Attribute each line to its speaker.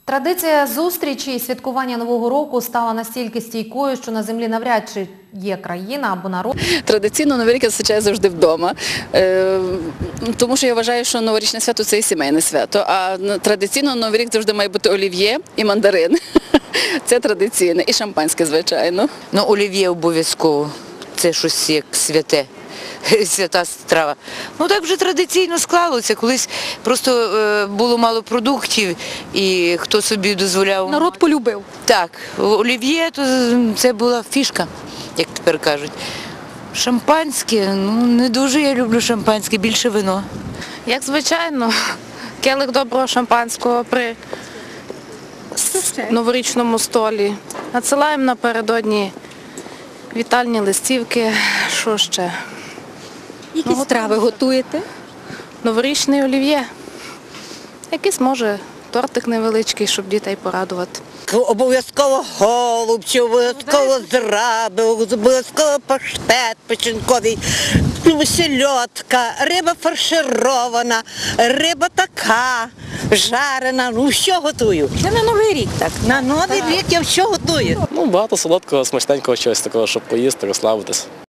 Speaker 1: Традиція зустрічі і святкування Нового року стала настільки стійкою, що на землі навряд чи є країна або народ.
Speaker 2: Традиційно Новий рік я зустрічаю завжди вдома, тому що я вважаю, що новорічне свято – це і сімейне свято, а традиційно Новий рік завжди має бути олів'є і мандарин. Це традиційне. І шампанське, звичайно.
Speaker 3: Ну, олів'є обов'язково. Це щось як святе. Свята страва. Ну так вже традиційно склалося. Колись просто було мало продуктів і хто собі дозволяв.
Speaker 4: Народ полюбив.
Speaker 3: Так, олів'є то це була фішка, як тепер кажуть. Шампанське, ну не дуже я люблю шампанське, більше вино.
Speaker 5: Як звичайно, келих доброго шампанського при новорічному столі. Надсилаємо напередодні вітальні листівки. Що ще?
Speaker 4: Які страви готуєте?
Speaker 5: Новорічний олів'є. Якийсь, може, тортик невеличкий, щоб дітей порадувати.
Speaker 6: Обов'язково голубці, обов'язково зраби, обов'язково паштет печінковий, сельодка, риба фарширована, риба така, жарена, ну все готую.
Speaker 4: Це на Новий рік так.
Speaker 6: На Новий рік я все готую.
Speaker 7: Ну, багато солодкого, смачненького чогось такого, щоб поїсти, розслабитись.